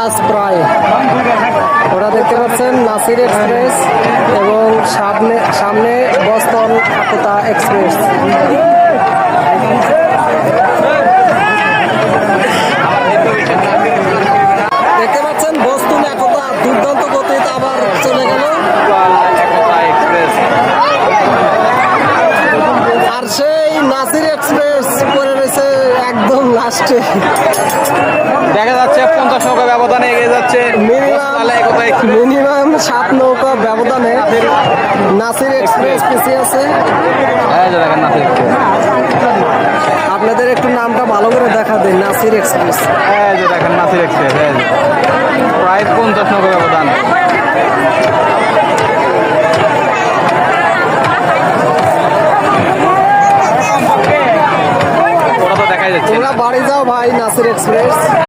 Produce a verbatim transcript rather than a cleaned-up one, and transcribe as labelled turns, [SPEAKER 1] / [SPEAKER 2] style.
[SPEAKER 1] কাজ প্রায়। ওরা দেখতে পাচ্ছেন নাসির এক্সপ্রেস এবং সামনে সামনে বস্তন একতা এক্সপ্রেস। দেখতে পাচ্ছেন বস্তুন একতা দুর্দান্ত গতিতে আবার চলে গেল। আর সেই নাসির এক্সপ্রেস পড়ে রয়েছে একদম লাস্টে।
[SPEAKER 2] দেখা যাচ্ছে পঞ্চাশ নৌকা ব্যবধানে এগিয়ে যাচ্ছে
[SPEAKER 1] মিনিমাম সাত নৌকা ব্যবধানে নাসির এক্সপ্রেস পিছিয়ে আছে।
[SPEAKER 2] দেখেন নাসির এক্সপ্রেস,
[SPEAKER 1] আপনাদের একটু নামটা ভালো করে দেখা দেন। নাসির এক্সপ্রেস,
[SPEAKER 2] এই যে দেখেন নাসির এক্সপ্রেস, এই যে প্রায় পঞ্চাশ নৌকা ব্যবধান। ওরা তো দেখাই যাচ্ছে।
[SPEAKER 1] তোমরা বাড়ি যাও ভাই নাসির এক্সপ্রেস।